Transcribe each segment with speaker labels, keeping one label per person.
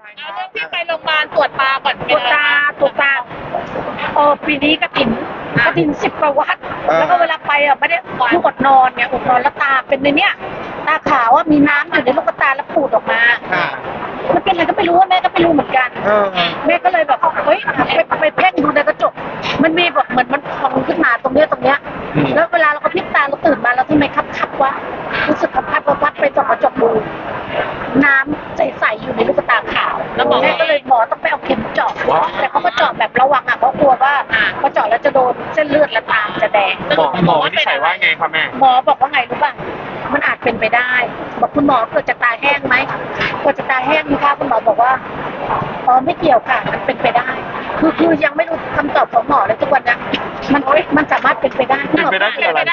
Speaker 1: เอาเรื่องที่ไปโรงพยาบาลตรวจตาก่อน
Speaker 2: ตรวจตาปีนี้กฐิน10 กว่าวัดแล้วก็เวลาไปไม่ได้คืออดนอนไงอดนอนแล้วตาเป็นในเนี้ยตาขาวว่ามีน้ำอยู่ในลูกตาแล้วปูดออกมามันเป็นอะไรก็ไม่รู้ว่าแม่ก็ไม่รู้เหมือนกันแม่ก็เลยแบบเฮ้ยไปเพ่งดูในกระจกมันมีแบบเหมือนมันพองขึ้นมาตรงเนี้ยแล้วเวลาเราก็พลิกตาเราตื่นมาแล้วทำไมคับวะรู้สึกคับวัดไปส่องกระจกดูน้ำใสๆอยู่ในลูกตาขาวแล้วแม่ก็เลยหมอต้องไปเอาเข็มเจาะแต่เขาก็เจาะแบบระวังเพราะกลัวว่าพอเจาะแล้วจะโดนเส้นเลือดและตามจะแดง
Speaker 3: หมอที่ใส่ว่าไงครับแม่
Speaker 2: หมอบอกว่าไงรู้ป่ะมันอาจเป็นไปได้บอกคุณหมอเกิดจากตาแห้งไหมเกิดจากตาแห้งนี่ค่ะคุณหมอบอกว่าไม่เกี่ยวค่ะมันเป็นไปได้คือยังไม่รู้คำตอบของหมอเลยทุกวันนะมันสามารถเป็นไปได้
Speaker 3: เป็นไปได้คืออะไร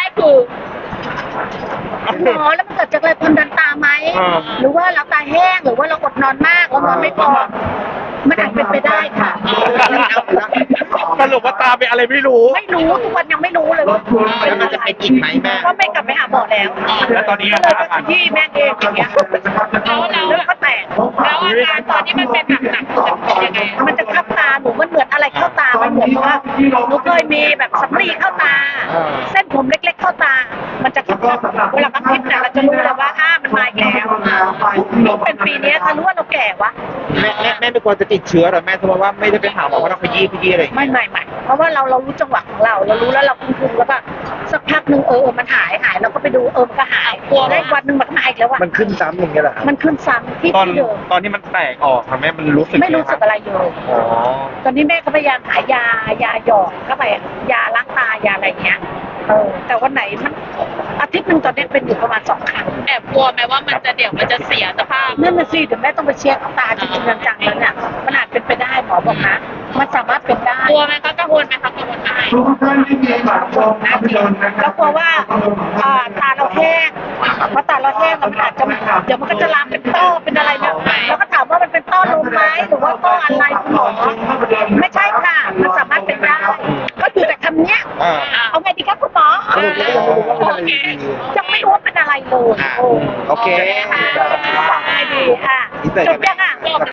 Speaker 2: หมอแล้วมันเกิดจากอะไรความดันตาไหมหรือว่าเราตาแห้งหรือว่าเราอดนอนมากเรานอนไม่พอมันอาจเป็นไปได้ค่ะ
Speaker 3: สรุปว่าตาเป็นอะไรไม่รู้
Speaker 2: ทุกวันยังไม่รู้เลยว่า
Speaker 4: แล้วมันจะเป็นอีกไหมแม่
Speaker 2: ก็ไม่กลับไปหาหมอแล้ว
Speaker 3: แล้วตอนนี้อาการ
Speaker 2: ที่แม่เองอย่างเงี้ยแล้วก็แตก
Speaker 1: แล้วอาการตอนที่มันเป็นหนักๆจะเป็นยังไง
Speaker 2: มันจะคับตาหนูมันเหมือนอะไรเข้าตามันเหมือนว่าหนูเคยมีแบบสำลีเข้าตาเส้นผมเล็กๆเข้าตามันจะคับเวลาคับทิพย์เนี่ยเราจะรู้แล้วว่ามันมาแล้วเป็นปีนี้ถ้ารู้ว่าเราแก่วะ
Speaker 4: แม่ไม่ควรจะติดเชื้อหรอแม่เพราะว่าไม่ได้ไปหาหมอเพราะเราขยี้อะไร
Speaker 2: ไม่เพราะว่าเรารู้จังหวะของเรารู้แล้วเราคุมแล้วก็สักพักหนึ่งมันหายเราก็ไปดูมันก็หายได้วันหนึ่งมันก็มาอีกแล้ว
Speaker 4: มันขึ้นซ้ำอย่างเงี้ยเหรอ
Speaker 2: มันขึ้นซ้ำที่เดิม
Speaker 3: ตอนที่มันแตกออกค่ะแม่มันรู้สึก
Speaker 2: ไม่รู้สึกอะไรเลยตอนนี้แม่ก็พยายามหายาหยอดเข้าไปยาล้างตายาอะไรเงี้ยแต่วันไหนมันอาทิตย์หนึ่งตอนนี้เป็นอยู่ประมาณ2 ครั้ง
Speaker 1: แอบกลัวไหมว่ามันจะเสียสภาพ
Speaker 2: นั่นน่ะสิเดี๋ยวแม่ต้องไปเช็คตาจริงๆจังๆแล้วเนี่ยมันอาจเป็นไปได้หมอบอกนะมันสามารถเป็นได้
Speaker 1: กลัวไหมคะกังวลไหมคะกังวลไหม
Speaker 2: แล้วกลัวว่าตาเราแห้งพอตาเราแห้งมันอาจจะเดี๋ยวมันก็จะลามเป็นต้อเป็นอะไรเนี่ยแล้วก็ถามว่ามันเป็นต้อลมไหมหรือว่าต้ออะไรคุณหมอไม่ใช่ค่ะมันสามารถเป็นได้ก็อยู่แต่คำเนี้ยเอาไงดีครับคุณหมอยังไม่รู้ว่าเป็นอะไรเลย
Speaker 4: โอเค
Speaker 2: ดีค่ะจบยัง